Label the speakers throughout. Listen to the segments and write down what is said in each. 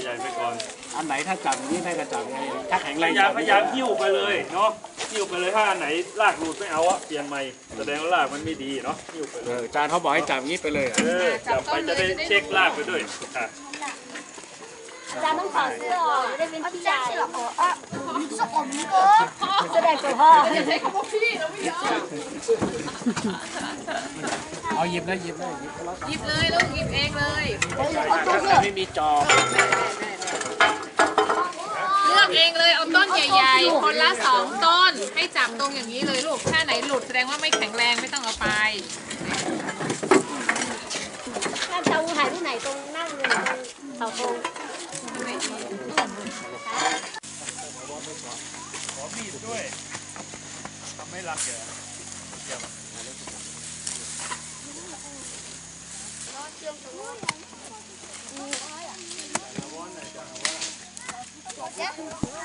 Speaker 1: ใหญ่ๆไปก่อน
Speaker 2: อันไหนถ้าจับอย่างนี้ได้ก็จับไงถ้าแข็งแรง
Speaker 1: พยายามหิ้วไปเลยเนาะหิ้วไปเลยถ้าอันไหนรากหลุดไม่เอาอะเปลี่ยนใหม่แสดงว่ารากมันไม่ดีเนาะหิ้วไปเลย
Speaker 2: อาจารย์เขาบอกให้จับอย่างนี้ไปเลย
Speaker 1: จับไปจะได้เช็ครากไปด้วย
Speaker 3: อาจารย์ต้องถอดเสื้อออกจะได้เป็นพี่ใหญ่สมก็แสดงตัวพ่อ
Speaker 4: อย่าใช้คำว่าพี่เราไม่ยอม
Speaker 2: เอาหยิบเลยหยิบเลย
Speaker 4: หยิบเลยลูกหยิบเองเลย
Speaker 2: ไม่มีจอ
Speaker 4: เลือกเองเลยเอาต้นใหญ่ๆคนละ2 ต้นให้จับตรงอย่างนี้เลยลูกถ้าไหนหลุดแสดงว่าไม่แข็งแรงไม่ต้องเอาไป
Speaker 3: ถ้าเตาถ่ายที่ไหนตรงนั่งเลยเสาธง
Speaker 1: ขอมีดด้วยทำให้รักแก
Speaker 4: เดี๋ยว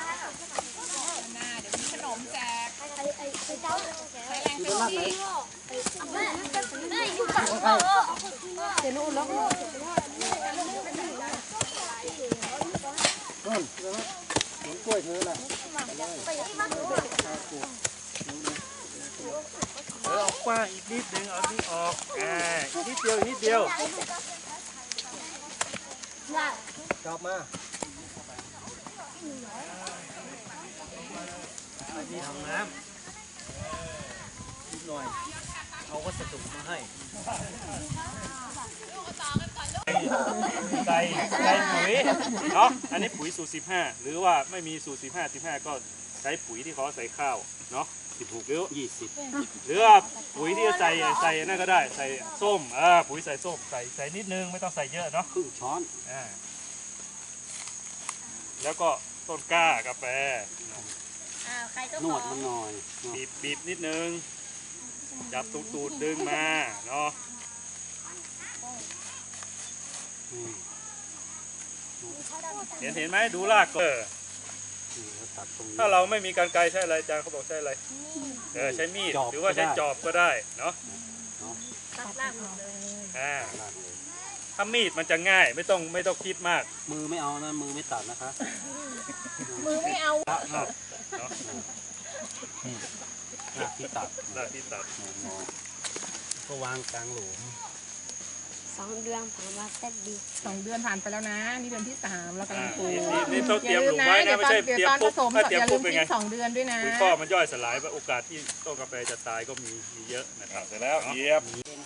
Speaker 4: มีขนมแจกใช้แรงเต็มที่
Speaker 2: กล้วยเธอแหละ
Speaker 1: ออกกว้างอีกนิดนึงเอานี่ออกอีกนิดเดียวนิดเดียว
Speaker 2: จับมา
Speaker 1: นี่ทำน้ำนิดหน่อยเอาวัสดุมาให้ใส่ปุ๋ยเนาะอันนี้ปุ๋ยสูตร15หรือว่าไม่มีสูตร15ก็ใช้ปุ๋ยที่เขาใส่ข้าวเนาะ16หรือ20หรือว่าปุ๋ยที่ใส่นั่นก็ได้ใส่ส้มปุ๋ยใส่ส้มใส่นิดนึงไม่ต้องใส่เยอะเนาะ
Speaker 2: ครึ่งช้อน
Speaker 1: แล้วก็ต้นกล้ากาแฟ
Speaker 2: นวดมันหน่อย
Speaker 1: บีบนิดนึงจับตูดดึงมาเนาะเห็นไหมดูรากก็ถ้าเราไม่มีกรรไกรใช้อะไรอาจารย์เขาบอกใช้อะไรใช้มีดหรือว่าใช้จอบก็ได้เนาะถ้ามีดมันจะง่ายไม่ต้องคิดมาก
Speaker 2: มือไม่เอานะมือไม่ตัดนะคะ
Speaker 3: มือไม่เอา
Speaker 2: หน้าที่ตัดก็วางกลางหลุม
Speaker 3: 2 เดือนผ่านมาเต็มดี
Speaker 4: 2 เดือนผ่านไปแล้วนะนี่เดือนที่3เรากำลังปลูก
Speaker 1: นี่ต้องเตรียมหลุมไว้นะไม่ใช่เตรียมปุ๊บถ้าเตรียมปุ๊บเป็นไง
Speaker 4: 2 เดือนด้วยนะ
Speaker 1: ปุ๋ยข้อมันย่อยสลายโอกาสที่ต้นกาแฟจะตายก็มีเยอะนะครับเสร็จแล้วเยียบ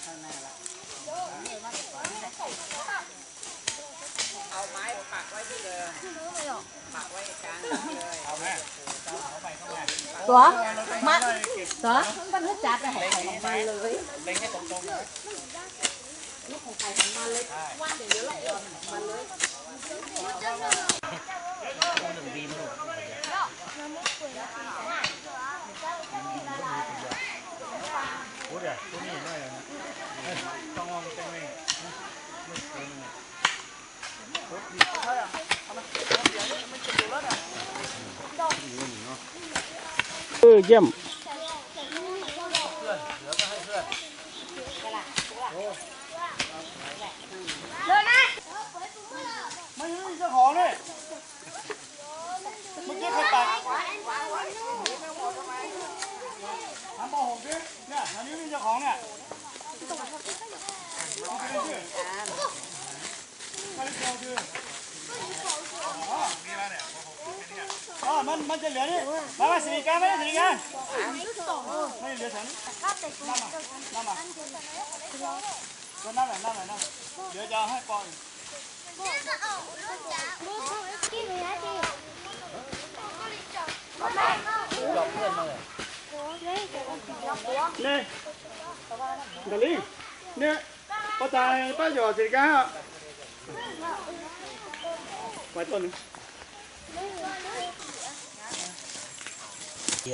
Speaker 4: เอาไม้ปักไว้ที่เดิมปักไว้กลางเลยเอาแม่
Speaker 3: ตัวมาตัวมันรู้จักเลยมาเลย
Speaker 1: เล็งให้ตรงๆเลย
Speaker 3: ลูกของใครของมันเลยว่าเดี๋ยวเรามันเลย
Speaker 1: โอ้เดี๋ยวตัวนี้ได้เลยต้องมองเต็มเลย
Speaker 2: เยี่ยม
Speaker 3: เลยนะ
Speaker 1: ไม่ใช่เจ้าของเลยเมื่อกี้ใครตัดทำโมโหดิเนี่ยอันนี้เจ้าของเนี่ยมันจะเหลือนี่มาสิริการไม่ได้สิริการไม่เหลือฉันนั่นมาเดี๋ยวจะให้ปอนจับเพื่อนมาเลยเนี่ยเดลี่เนี่ยป้าตายป้าหยอดสิริการไว้ต้นนึง